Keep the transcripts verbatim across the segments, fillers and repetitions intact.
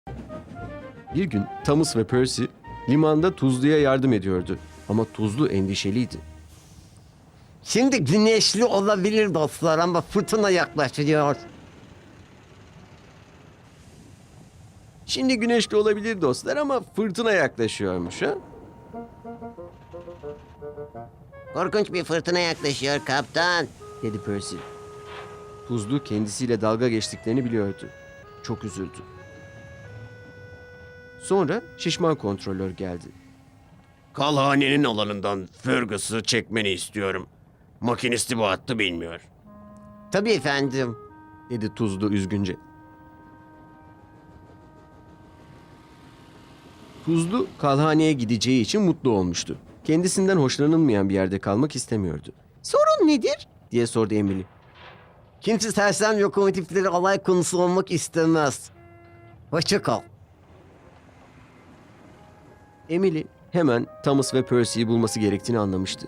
Bir gün Thomas ve Percy limanda Tuzlu'ya yardım ediyordu. Ama Tuzlu endişeliydi. Şimdi güneşli olabilir dostlar ama fırtına yaklaşıyor. Şimdi güneşli olabilir dostlar ama fırtına yaklaşıyormuş ha? Korkunç bir fırtına yaklaşıyor kaptan. Dedi Percy. Tuzlu kendisiyle dalga geçtiklerini biliyordu. Çok üzüldü. Sonra şişman kontrolör geldi. Kalhanenin alanından Fergus'u çekmeni istiyorum. Makinisti bu hattı bilmiyor. Tabii efendim. Dedi Tuzlu üzgünce. Tuzlu kalhaneye gideceği için mutlu olmuştu. Kendisinden hoşlanılmayan bir yerde kalmak istemiyordu. Sorun nedir? Diye sordu Emily. Kimse sersem lokomotifleri alay konusu olmak istemez. Hoşça kal. Emily hemen Thomas ve Percy'yi bulması gerektiğini anlamıştı.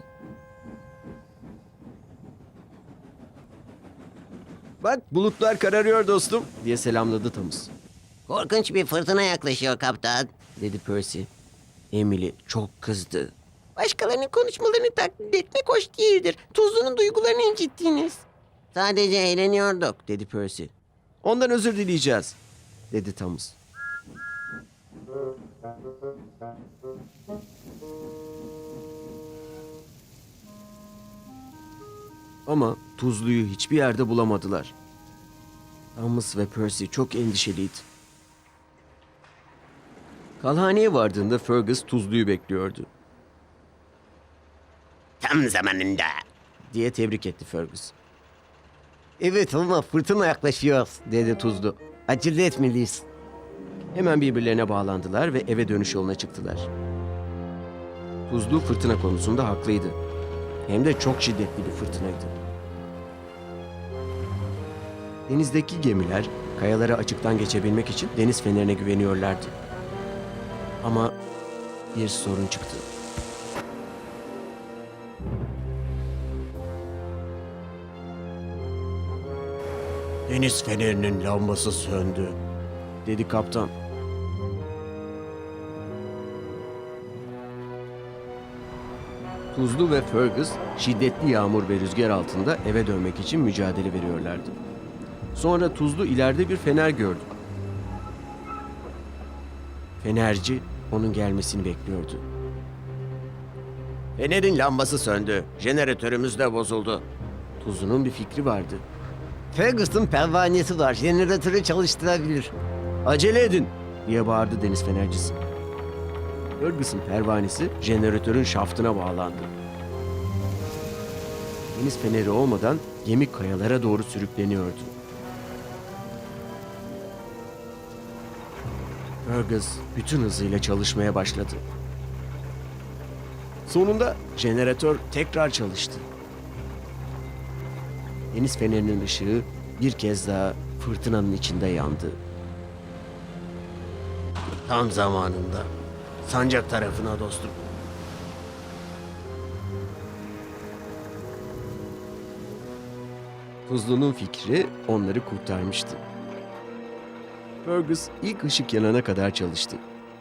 Bak bulutlar kararıyor dostum diye selamladı Thomas. Korkunç bir fırtına yaklaşıyor kaptan. Dedi Percy. Emily çok kızdı. Başkalarının konuşmalarını taklit etmek hoş değildir. Tuzlu'nun duygularını incittiniz. Sadece eğleniyorduk. Dedi Percy. Ondan özür dileyeceğiz. Dedi Thomas. Ama Tuzlu'yu hiçbir yerde bulamadılar. Thomas ve Percy çok endişeliydi. Kalhaneye vardığında Fergus Tuzlu'yu bekliyordu. Tam zamanında. Diye tebrik etti Fergus. Evet ama fırtına yaklaşıyor dedi Tuzlu. Acele etmeliyiz. Hemen birbirlerine bağlandılar ve eve dönüş yoluna çıktılar. Tuzlu fırtına konusunda haklıydı. Hem de çok şiddetli bir fırtınaydı. Denizdeki gemiler kayalara açıktan geçebilmek için deniz fenerine güveniyorlardı. Ama bir sorun çıktı. Deniz fenerinin lambası söndü. Dedi kaptan. Tuzlu ve Fergus şiddetli yağmur ve rüzgar altında eve dönmek için mücadele veriyorlardı. Sonra Tuzlu ileride bir fener gördü. Fenerci onun gelmesini bekliyordu. Fenerin lambası söndü. Jeneratörümüz de bozuldu. Tuzlu'nun bir fikri vardı. Fergus'un pervanesi var. Jeneratörü çalıştırabilir. Acele edin diye bağırdı deniz fenercisi. Fergus'un pervanesi jeneratörün şaftına bağlandı. Deniz feneri olmadan gemi kayalara doğru sürükleniyordu. Fergus bütün hızıyla çalışmaya başladı. Sonunda jeneratör tekrar çalıştı. Deniz fenerinin ışığı bir kez daha fırtınanın içinde yandı. Tam zamanında. Sancak tarafına dostum. Tuzlu'nun fikri onları kurtarmıştı. Fergus ilk ışık yanana kadar çalıştı.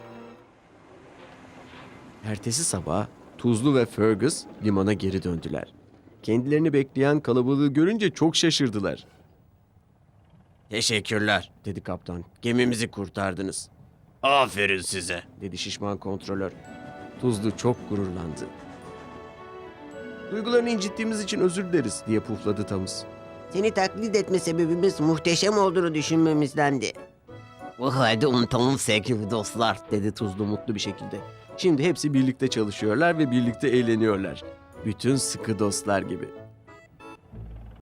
Ertesi sabah Tuzlu ve Fergus limana geri döndüler. Kendilerini bekleyen kalabalığı görünce çok şaşırdılar. Teşekkürler. Dedi kaptan. Gemimizi kurtardınız. Aferin size. Dedi şişman kontrolör. Tuzlu çok gururlandı. Duygularını incittiğimiz için özür dileriz diye pufladı Thomas. Seni taklit etme sebebimiz muhteşem olduğunu düşünmemizdendi. Bu halde unutalım sevgili dostlar. Dedi Tuzlu mutlu bir şekilde. Şimdi hepsi birlikte çalışıyorlar ve birlikte eğleniyorlar. Bütün sıkı dostlar gibi.